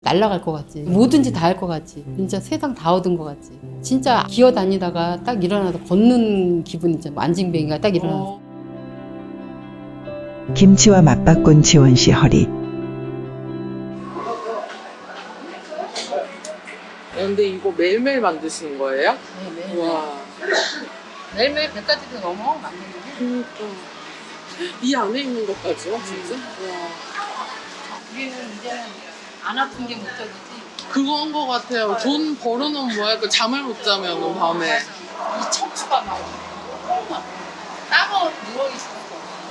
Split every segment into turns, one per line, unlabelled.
날아갈 것 같지. 뭐든지 다 할 것 같지. 진짜 세상 다 얻은 것 같지. 진짜 기어 다니다가 딱 일어나서 걷는 기분 있잖아. 안징뱅이가 딱 일어나서.
김치와 맞바꾼 지원 씨 허리.
근데 이거 매일매일 만드시는 거예요?
네,
와.
매일매일 100가지도 넘어 만드는 게.
그러니까 이 안에 있는 것까지요, 진짜? 와.
우리는 이제는 안 아픈 게 목적이지.
그건 것 같아요. 돈 벌어놓으면 뭐야? 그 잠을 못 자면 밤에.
이 척추가 막 따가워 누워있어.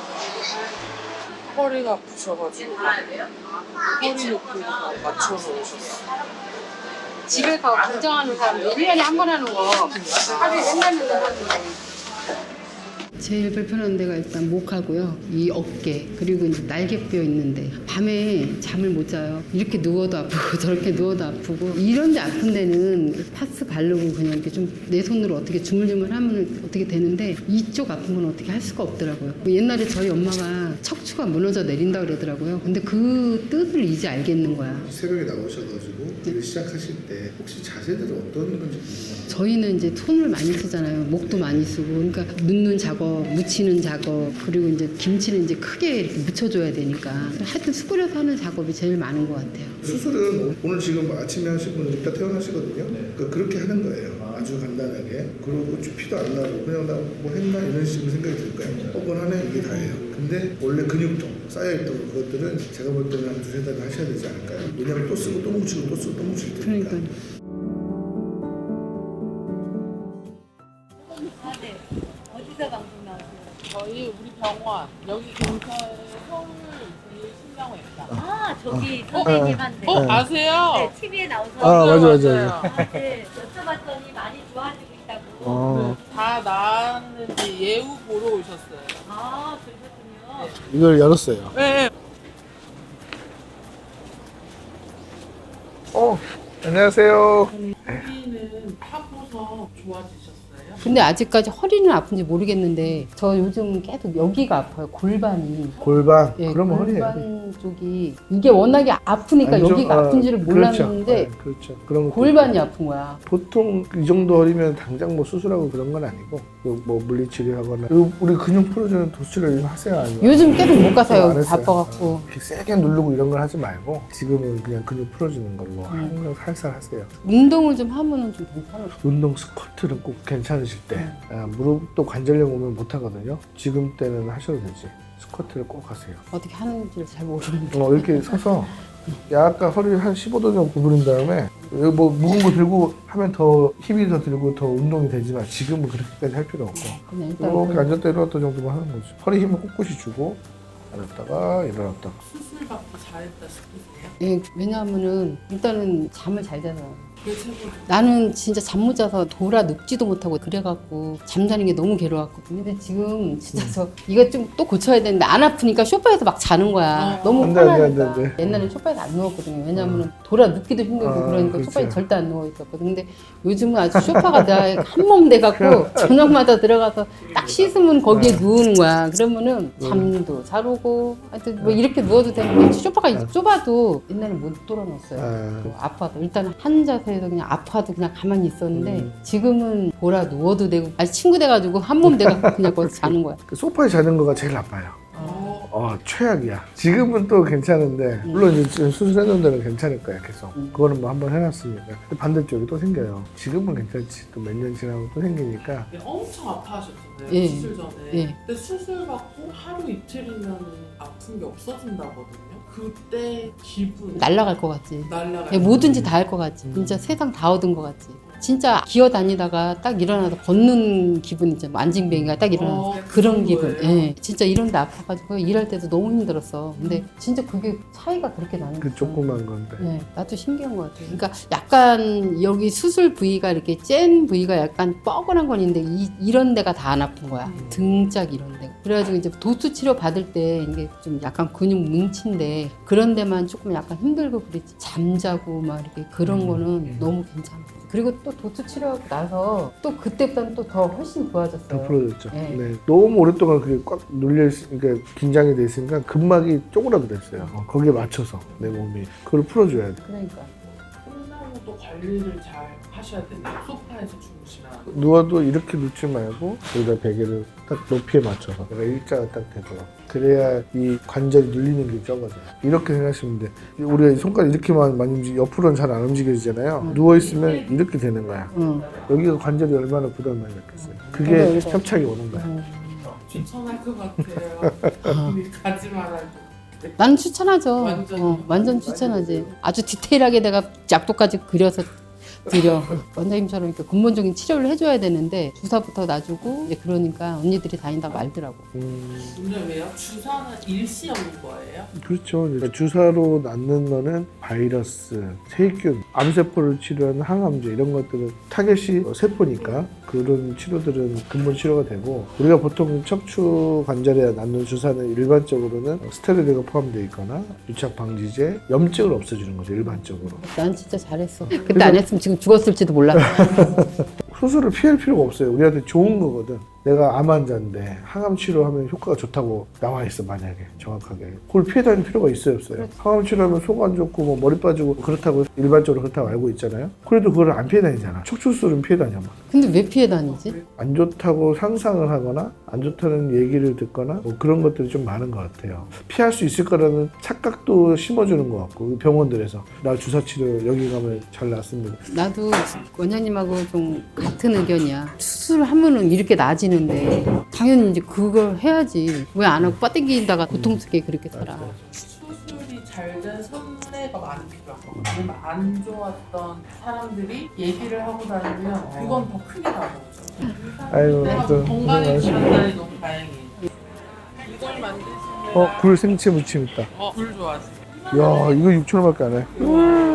허리가 아프셔가지고 허리 높이가 맞춰서 오셨어요.
집에 가서 걱정하는 사람들 1년에 한 번 하는 거 하루에 맨날 하는 거. 제일 불편한 데가 일단 목하고요, 이 어깨, 그리고 이제 날개뼈 있는데 밤에 잠을 못 자요. 이렇게 누워도 아프고 저렇게 누워도 아프고. 이런 데 아픈 데는 파스 바르고 그냥 이렇게 좀 내 손으로 어떻게 주물주물 하면 어떻게 되는데 이쪽 아픈 건 어떻게 할 수가 없더라고요. 옛날에 저희 엄마가 척추가 무너져 내린다 그러더라고요. 근데 그 뜻을 이제 알겠는 거야.
새벽에 나오셔가지고 일을 시작하실 때 혹시 자세들은 어떤 건지 궁금해요.
저희는 이제 손을 많이 쓰잖아요. 목도 많이 쓰고. 그러니까 눕는 작업, 묻히는 작업, 그리고 이제 김치는 이제 크게 이렇게 묻혀줘야 되니까. 하여튼 수그려서 하는 작업이 제일 많은 것 같아요.
수술은 오늘 지금 아침에 하시고 이따 퇴원하시거든요. 그러니까 그렇게 하는 거예요. 아주 간단하게. 그리고 피도 안 나고 그냥 나 뭐 했나 이런 식으로 생각이 들까요? 뻐근하네 이게 다예요. 근데 원래 근육통 쌓여있던 그것들은 제가 볼 때는 한 두세 달을 하셔야 되지 않을까요? 왜냐면 또 쓰고 또 뭉치고 또 쓰고 또 뭉칠 테니까.
그러니까.
네. 어디서 방송 나오세요?
저희 우리 병원 여기 근처에 서울 제일신경외과.
아, 저기 선생님한테.
아세요?
네, TV에 나오서.
맞아요.
네, 여쭤봤더니 많이 좋아지고 있다고.
다 나았는지 예우 보러 오셨어요.
아, 그러셨군요.
이걸 열었어요.
네.
안녕하세요.
여기는 타보서 좋아지셨어요?
근데 아직까지 허리는 아픈지 모르겠는데 저 요즘 계속 여기가 아파요. 골반이.
골반.
예,
그러면 허리예요.
골반 쪽이 이게 워낙에 아프니까
아니죠.
여기가 아픈지를 몰랐는데
그렇죠. 그렇죠. 그런 것도
골반이
있고.
아픈 거야.
보통 이 정도 허리면 당장 뭐 수술하고 그런 건 아니고 뭐 물리치료하거나 그리고 우리 근육 풀어주는 도수치료 하세요 아니면
요즘 계속 못 가서요.
안 했어요.
바빠갖고.
이렇게 세게 누르고 이런 걸 하지 말고 지금은 그냥 근육 풀어주는 걸로 항상 살살 하세요.
운동을 좀 하면은 좀 괜찮을 것
운동 스쿼트는 꼭 괜찮으실 때 무릎도 관절염 오면 못 하거든요. 지금 때는 하셔도 되지. 스쿼트를 꼭 하세요.
어떻게 하는지를 잘 모르는데.
이렇게 서서 약간 허리를 한 15도 정도 구부린 다음에 여기 뭐 무거운 거 들고 하면 더 힘이 더 들고 더 운동이 되지만 지금은 그렇게까지 할 필요 없고
그냥 일단
이렇게 앉았다 일어났다 정도만 하는 거죠. 허리 힘을 꼿꼿이 주고 앉았다가 일어났다가.
수술 받고 잘했다 싶으세요?
예, 왜냐하면은 일단은 잠을 잘 자잖아요.
그게 최고죠.
나는 진짜 잠 못 자서 돌아 눕지도 못하고 그래갖고 잠자는 게 너무 괴로웠거든요. 근데 지금 진짜 저 이거 좀 또 고쳐야 되는데 안 아프니까 소파에서 막 자는 거야. 너무
안 돼, 안 돼,
편하니까.
안 돼, 안 돼.
옛날엔 소파에서 안 누웠거든요. 왜냐하면 돌아 눕기도 힘들고 그러니까
그렇죠.
소파에 절대 안 누워 있었거든. 근데 요즘은 아주 소파가 한몸 돼갖고 저녁마다 들어가서 딱 씻으면 거기에 누우는 거야. 그러면은 잠도 잘 오고 하여튼 뭐 이렇게 누워도 되는데 소파가 좁아도 옛날에 못 돌아놨어요. 또 아파도 일단 한 자세에서 그냥 아파도 그냥 가만히 있었는데 지금은 보라 누워도 되고 아니 친구 돼가지고 한몸 돼가지고 그냥 거기서 자는 거야.
그 소파에 자는 거가 제일 나빠요. 최악이야. 지금은 또 괜찮은데 물론 이제 수술해놓은 데는 괜찮을 거야 계속. 그거는 뭐 한번 해놨으니까. 근데 반대쪽이 또 생겨요. 지금은 괜찮지. 또 몇 년 지나고 또 생기니까.
엄청 아파하셨잖아요.
예.
수술 전에.
예.
근데 수술 받고 하루 이틀이면 아픈 게 없어진다거든요. 그때 기분
날아갈 것 같지.
날라가.
예, 뭐든지 다 할 것 같지. 진짜 세상 다 얻은 것 같지. 진짜 기어 다니다가 딱 일어나서 걷는 기분 있잖아. 안징뱅이가 딱 일어나서 그런 기분. 예. 진짜 이런 데 아파가지고 일할 때도 너무 힘들었어. 근데 진짜 그게 차이가 그렇게 나는
그
거야.
조그만 건데.
네, 나도 신기한 것 같아요. 그러니까 약간 여기 수술 부위가 이렇게 짠 부위가 약간 뻐근한 건 있는데 이런 데가 다 안 아픈 거야. 등짝 이런 데. 그래가지고 이제 도수 치료 받을 때 이게 좀 약간 근육 뭉친데 그런 데만 조금 약간 힘들고 그랬지. 잠자고 막 이렇게 그런 거는 너무 괜찮아. 그리고 또 또 도트 치료하고 나서 또 그때보다는 또 더 훨씬 좋아졌어요.
더 풀어졌죠.
네.
네. 너무 오랫동안 그게 꽉 눌려 있으니까 긴장이 돼 있으니까 근막이 쪼그라들었어요. 거기에 맞춰서 내 몸이 그걸 풀어줘야 돼.
그러니까.
끝나고 또 관리를 잘 하셔야 돼요. 소파에서 주무시면.
누워도 이렇게 눕지 말고 여기다 베개를 딱 높이에 맞춰서 내가 일자가 딱 되도록 그래야 이 관절이 눌리는 게 적어져요. 이렇게 생각하시면 돼. 우리가 손가락 이렇게만 많이 움직이 옆으로는 잘 안 움직여지잖아요. 누워 있으면 이렇게 되는 거야. 여기가 관절이 얼마나 부담을 많이 받겠어요. 그게 협착이 오는 거야.
추천할 것 같아요. 가지 말아요.
나는 추천하죠.
완전히.
완전 추천하지. 아주 디테일하게 내가 약도까지 그려서 드려. 원장님처럼 이렇게 근본적인 치료를 해줘야 되는데 주사부터 놔주고 이제 그러니까 언니들이 다닌다 말더라고.
근데 왜요? 주사는 일시적인 거예요?
그렇죠. 그러니까 주사로 낫는 거는 바이러스, 세균, 암세포를 치료하는 항암제 이런 것들은 타겟이 세포니까 그런 치료들은 근본 치료가 되고 우리가 보통 척추 관절에 낫는 주사는 일반적으로는 스테로이드가 포함되어 있거나 유착 방지제, 염증을 없애주는 거죠 일반적으로.
난 진짜 잘했어. 그때 안 했으면 지금 죽었을지도 몰라.
수술을 피할 필요가 없어요. 우리한테 좋은 거거든. 내가 암 환자인데 항암 치료하면 효과가 좋다고 나와 있어 만약에 정확하게. 그걸 피해 다닐 필요가 있어요 없어요? 항암 치료하면 속 안 좋고 뭐 머리 빠지고 그렇다고 일반적으로 그렇다고 알고 있잖아요. 그래도 그걸 안 피해 다니잖아. 척추 수술은 피해 다녀.
근데 왜 피해 다니지?
안 좋다고 상상을 하거나 안 좋다는 얘기를 듣거나 뭐 그런 것들이 좀 많은 것 같아요. 피할 수 있을 거라는 착각도 심어주는 것 같고 병원들에서 나 주사 치료 여기 가면 잘 낫습니다.
나도 원장님하고 좀 같은 의견이야. 수술하면은 이렇게 나아지는데 당연히 이제 그걸 해야지. 왜 안 하고 빠땡기다가 고통스럽게 그렇게 살아.
수술이 잘 된 선례가 많이 필요한 거 같아요. 아니면 안 좋았던 사람들이 얘기를 하고 다니면 그건 더 크게 다가오죠.
아이고,
내가
또
건강해지셨다니 너무 다행이에요. 이걸 만드시면
굴 생채 무침 있다.
굴 좋아하세요?
야 이거 6,000원밖에 안 해.